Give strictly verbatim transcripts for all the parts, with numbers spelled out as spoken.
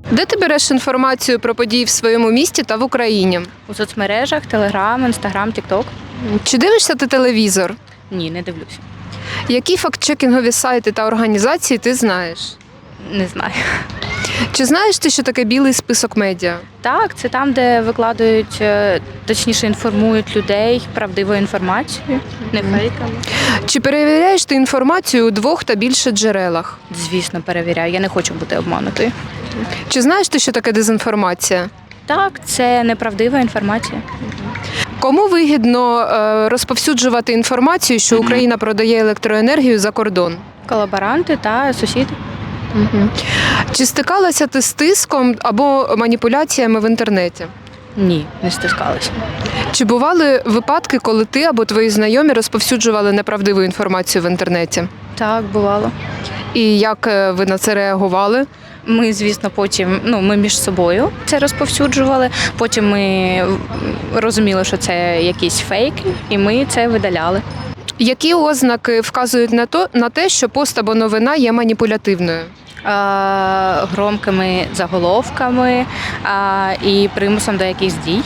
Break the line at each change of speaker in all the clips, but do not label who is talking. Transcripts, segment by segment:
Де ти береш інформацію про події в своєму місті та в Україні?
У соцмережах, Телеграм, Інстаграм, Тікток.
Чи дивишся ти телевізор?
Ні, не дивлюся.
Які фактчекінгові сайти та організації ти знаєш?
Не знаю.
Чи знаєш ти, що таке білий список медіа?
Так, це там, де викладають, е, точніше інформують людей правдивою інформацією, не фейками.
Чи перевіряєш ти інформацію у двох та більше джерелах?
Звісно, перевіряю. Я не хочу бути обманутою.
Чи знаєш ти, що таке дезінформація?
Так, це неправдива інформація.
Кому вигідно е, розповсюджувати інформацію, що Україна продає електроенергію за кордон?
Колаборанти та сусіди.
Чи стикалася ти з тиском або маніпуляціями в інтернеті?
Ні, не стискалися.
Чи бували випадки, коли ти або твої знайомі розповсюджували неправдиву інформацію в інтернеті?
Так, бувало.
І як е, ви на це реагували?
Ми, звісно, потім, ну, ми між собою це розповсюджували, потім ми розуміли, що це якісь фейки, і ми це видаляли.
Які ознаки вказують на то, на те, що пост або новина є маніпулятивною?
А, громкими заголовками а, і примусом до якихось дій.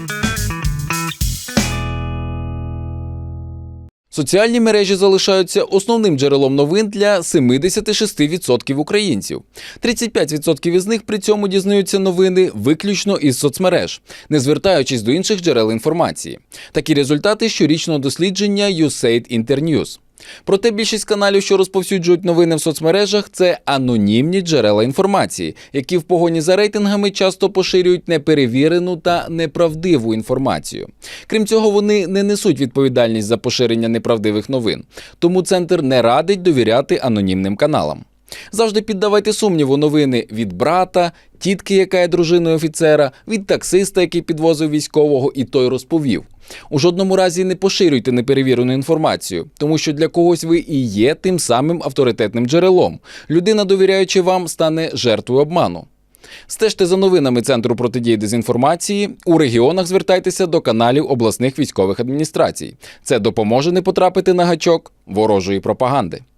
Соціальні мережі залишаються основним джерелом новин для сімдесят шість відсотків українців. тридцять п'ять відсотків із них при цьому дізнаються новини виключно із соцмереж, не звертаючись до інших джерел інформації. Такі результати щорічного дослідження ю ес ей ді Internews. Проте більшість каналів, що розповсюджують новини в соцмережах, це анонімні джерела інформації, які в погоні за рейтингами часто поширюють неперевірену та неправдиву інформацію. Крім цього, вони не несуть відповідальність за поширення неправдивих новин. Тому Центр не радить довіряти анонімним каналам. Завжди піддавайте сумніву новини від брата, тітки, яка є дружиною офіцера, від таксиста, який підвозив військового і той розповів. У жодному разі не поширюйте неперевірену інформацію, тому що для когось ви і є тим самим авторитетним джерелом. Людина, довіряючи вам, стане жертвою обману. Стежте за новинами Центру протидії дезінформації. У регіонах звертайтеся до каналів обласних військових адміністрацій. Це допоможе не потрапити на гачок ворожої пропаганди.